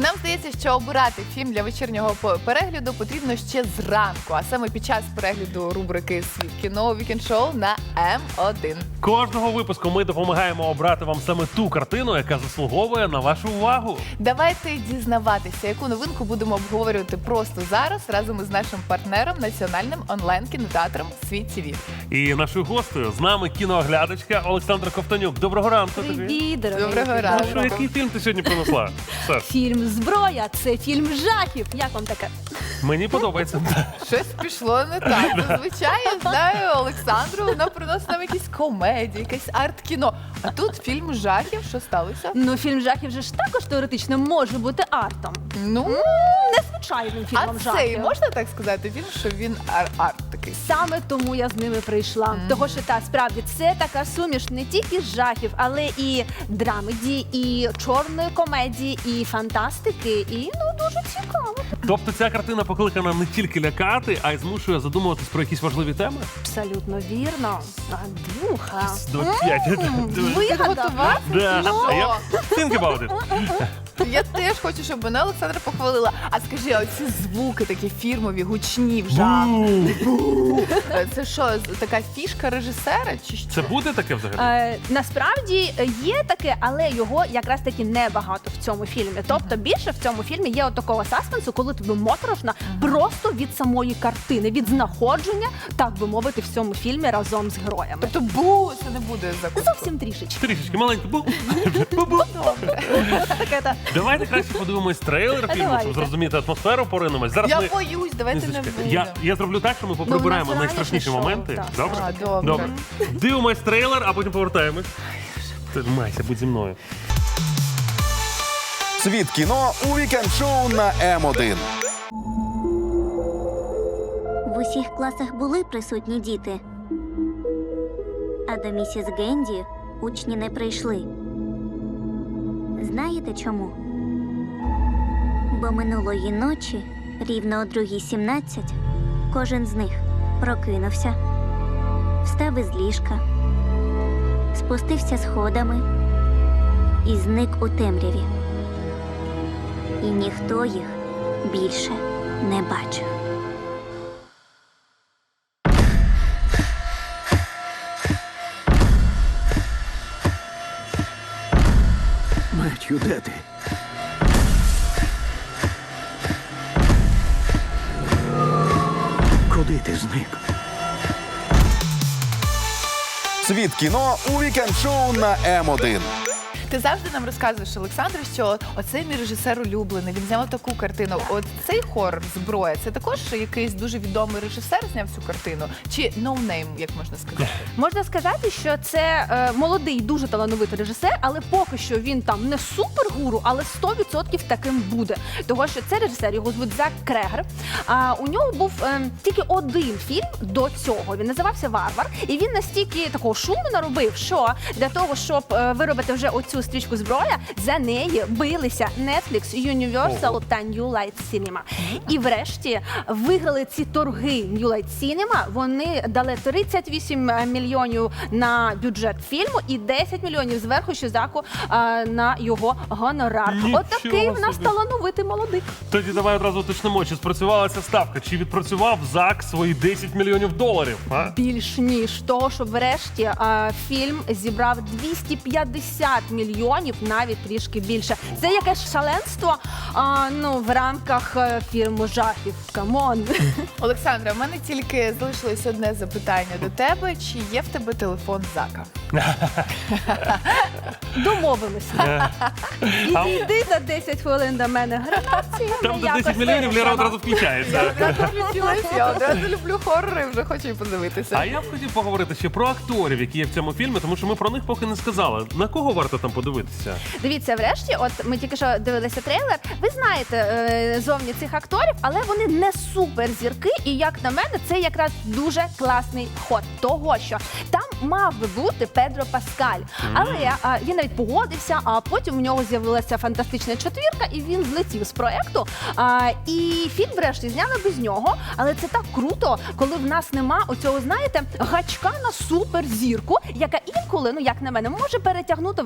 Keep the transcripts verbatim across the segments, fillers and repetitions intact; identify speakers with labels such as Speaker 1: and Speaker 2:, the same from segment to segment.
Speaker 1: Нам здається, що обирати фільм для вечірнього перегляду потрібно ще зранку, а саме під час перегляду рубрики «Світ кіно» Weekend Show на Ем один.
Speaker 2: Кожного випуску ми допомагаємо обрати вам саме ту картину, яка заслуговує на вашу увагу.
Speaker 1: Давайте дізнаватися, яку новинку будемо обговорювати просто зараз разом із нашим партнером, національним онлайн-кінотеатром «Світ ТВ».
Speaker 2: І нашою гостею з нами кінооглядачка Олександра Ковтонюк. Доброго ранку тобі.
Speaker 3: Привіт, дорогий.
Speaker 1: Доброго ранку.
Speaker 2: Що, який фільм ти сьогодні принесла? Саш,
Speaker 3: Фільм «Зброя» – це фільм жахів. Як вам таке?
Speaker 2: мені подобається.
Speaker 1: Щось пішло не так. Зазвичай, я знаю, Олександру, вона приносить нам якісь комедії, якесь арт-кіно. А тут фільм жахів. Що сталося?
Speaker 3: Ну, фільм жахів же ж також теоретично може бути артом.
Speaker 1: Ну,
Speaker 3: Незвичайним
Speaker 1: а
Speaker 3: фільмом жахів.
Speaker 1: цей, можна так сказати, фільм, що він ар- арт такий?
Speaker 3: Саме тому я з ними прийшла. Mm. Того, що та справді це така суміш не тільки жахів, але і драмеді, і чорної комедії, і фантастики, і ну дуже цікаво.
Speaker 2: Тобто ця картина покликана не тільки лякати, а й змушує задумуватись про якісь важливі теми?
Speaker 3: Абсолютно вірно. Андрюха.
Speaker 2: двадцять п'ять.
Speaker 3: Вигадав.
Speaker 1: Готова?
Speaker 2: Да.
Speaker 1: Ну.
Speaker 2: А я think about it.
Speaker 1: Я теж хочу, щоб мене Олександра похвалила. А скажи, а оці звуки такі фірмові, гучні в жахах. Це що, така фішка режисера? Чи що?
Speaker 2: Це буде таке взагалі?
Speaker 3: Е, насправді є таке, але його якраз таки небагато в цьому фільмі. Тобто більше в цьому фільмі є от такого саспенсу, коли тобі моторошно просто від самої картини, від знаходження, так би мовити, в цьому фільмі разом з героями.
Speaker 1: Тобто бу, це не буде закуску.
Speaker 3: Зовсім трішечки.
Speaker 2: Трішечки маленько. Бу. Бу-бу.
Speaker 3: Таке та.
Speaker 2: Давайте краще подивимось трейлер фільму,
Speaker 3: Давайте.
Speaker 2: щоб зрозуміти атмосферу, поринемось. Зараз
Speaker 1: Я
Speaker 2: ми...
Speaker 1: боюсь, давайте не
Speaker 2: Лізочка,
Speaker 1: будемо.
Speaker 2: я, я зроблю так, що ми поприбираємо
Speaker 3: Ну, у нас
Speaker 2: найстрашніші
Speaker 3: ранішнє
Speaker 2: моменти.
Speaker 3: шоу, так.
Speaker 2: Добре?
Speaker 1: А, добре.
Speaker 2: Дивимось трейлер, а потім повертаємось. Тримайся, будь зі мною.
Speaker 4: Світ кіно у вікенд-шоу на Ем один.
Speaker 5: В усіх класах були присутні діти. А до місіс Генді учні не прийшли. Знаєте чому? Бо минулої ночі, рівно о другій сімнадцять, кожен з них прокинувся, встав із ліжка, спустився сходами і зник у темряві. І ніхто їх більше не бачив.
Speaker 6: Меттю, де ти? Куди ти зник?
Speaker 4: Світ кіно у вікенд-шоу на Ем один.
Speaker 1: Ти завжди нам розказуєш, Олександр, що оцей мій режисер улюблений, він зняв таку картину. От цей хорор «Зброя» – це також якийсь дуже відомий режисер зняв цю картину? Чи no name, як можна сказати?
Speaker 3: Можна сказати, що це е, молодий, дуже талановитий режисер, але поки що він там не супергуру, але сто відсотків таким буде. Того, що це режисер, його звуть Зак Крегер. А у нього був е, тільки один фільм до цього. Він називався «Варвар». І він настільки такого шуму наробив, що для того, щоб е, виробити вже оцю стрічку «Зброя», за неї билися Netflix, Universal та New Light Cinema. І врешті виграли ці торги New Light Cinema. Вони дали тридцять вісім мільйонів на бюджет фільму і десять мільйонів зверху ще Заку а, на його гонорар.
Speaker 2: Нічого
Speaker 3: Отакий в нас
Speaker 2: собі.
Speaker 3: талановитий молодик.
Speaker 2: Тоді давай одразу уточнимо, чи спрацювала ця ставка, чи відпрацював ЗАК свої десять мільйонів доларів, а?
Speaker 3: Більш ніж того, що врешті а, фільм зібрав двісті п'ятдесят мільйонів, навіть трішки більше. Це якесь шаленство а, ну, в рамках а, фільму жахів. Камон.
Speaker 1: Олександра, в мене тільки залишилось одне запитання до тебе. Чи є в тебе телефон Зака?
Speaker 3: Домовилися. Іди за десять хвилин до мене гранатці.
Speaker 2: Там до десять мільйонів Лера одразу включається.
Speaker 1: Я одразу включилась, я одразу люблю хорори, вже хочу і подивитися.
Speaker 2: А я б хотів поговорити ще про акторів, які є в цьому фільмі, тому що ми про них поки не сказали. На кого варто там подивитися?
Speaker 3: Дивіться, врешті, от ми тільки що дивилися трейлер. Ви знаєте е, зовні цих акторів, але вони не суперзірки. І як на мене, це якраз дуже класний ход. Того, що там мав би бути Педро Паскаль. Але а, він навіть погодився, а потім у нього з'явилася фантастична четвірка, і він злетів з проекту. А, і фільм врешті зняли без нього. Але це так круто, коли в нас нема оцього, знаєте, гачка на суперзірку, яка інколи, ну як на мене, може перетягнути весь сюжет.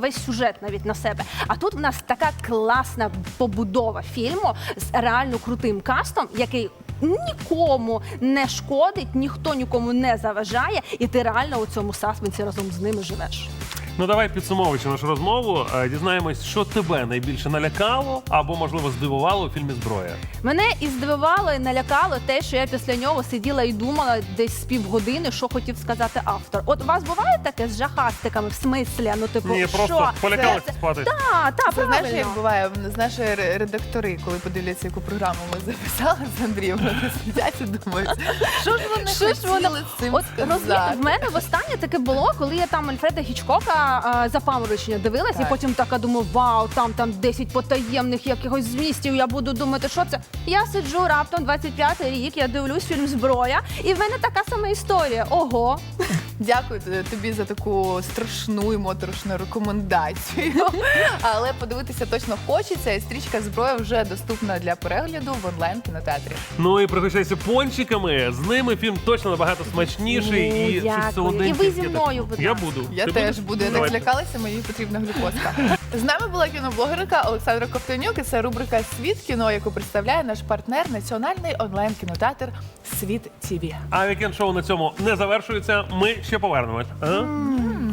Speaker 3: сюжет навіть на себе. А тут в нас така класна побудова фільму з реально крутим кастом, який нікому не шкодить, ніхто нікому не заважає, і ти реально у цьому саспенсі разом з ними живеш.
Speaker 2: Ну давай, підсумовуючи нашу розмову, е, дізнаємось, що тебе найбільше налякало або, можливо, здивувало у фільмі «Зброя».
Speaker 3: Мене і здивувало, і налякало те, що я після нього сиділа і думала десь з півгодини, що хотів сказати автор. От у вас буває таке з жахастиками, в смислі? Ну, типу,
Speaker 2: Ні,
Speaker 3: що?
Speaker 2: просто полякалася
Speaker 3: Це-
Speaker 2: спати.
Speaker 3: Та, та,
Speaker 1: Це знаєш, як
Speaker 3: правильно.
Speaker 1: буває, знаєш, ре- редактори, коли подивляться, яку програму ми записали з Андрієм, вони сидять і думають, що ж вони
Speaker 3: Що ж воно-
Speaker 1: хотіли цим
Speaker 3: От розумієте,
Speaker 1: сказати.
Speaker 3: в мене востаннє таке було, коли я там Альфреда Хічкока а, запаморочення дивилась,
Speaker 1: Так.
Speaker 3: і потім така думаю, вау, там там десять потаємних якихось змістів, я буду думати, що це. Я сиджу раптом двадцять п'ятий рік, я дивлюсь фільм «Зброя», і в мене така сама історія. Ого.
Speaker 1: Дякую тобі за таку страшну і моторошну рекомендацію. Але подивитися точно хочеться, і стрічка «Зброя» вже доступна для перегляду в онлайн-кінотеатрі.
Speaker 2: Ну і пригощайся пончиками, з ними фільм точно набагато смачніший
Speaker 3: Ну,
Speaker 2: і щось
Speaker 3: дякую.
Speaker 2: солоденьке.
Speaker 3: І ви зі
Speaker 2: Я так-
Speaker 3: мною, будь
Speaker 2: Я
Speaker 3: ласка.
Speaker 2: буду.
Speaker 1: Я
Speaker 2: Ти
Speaker 1: теж
Speaker 2: будеш?
Speaker 1: буду, я так
Speaker 2: Давайте.
Speaker 1: злякалася, мені потрібна глюкозка. З нами була кіноблогерка Олександра Ковтонюк, і це рубрика «Світ кіно», яку представляє наш партнер, національний онлайн-кінотеатр «Світ ТІВІ».
Speaker 2: А вікенд-шоу на цьому не завершується. Ми ще повернемось. А?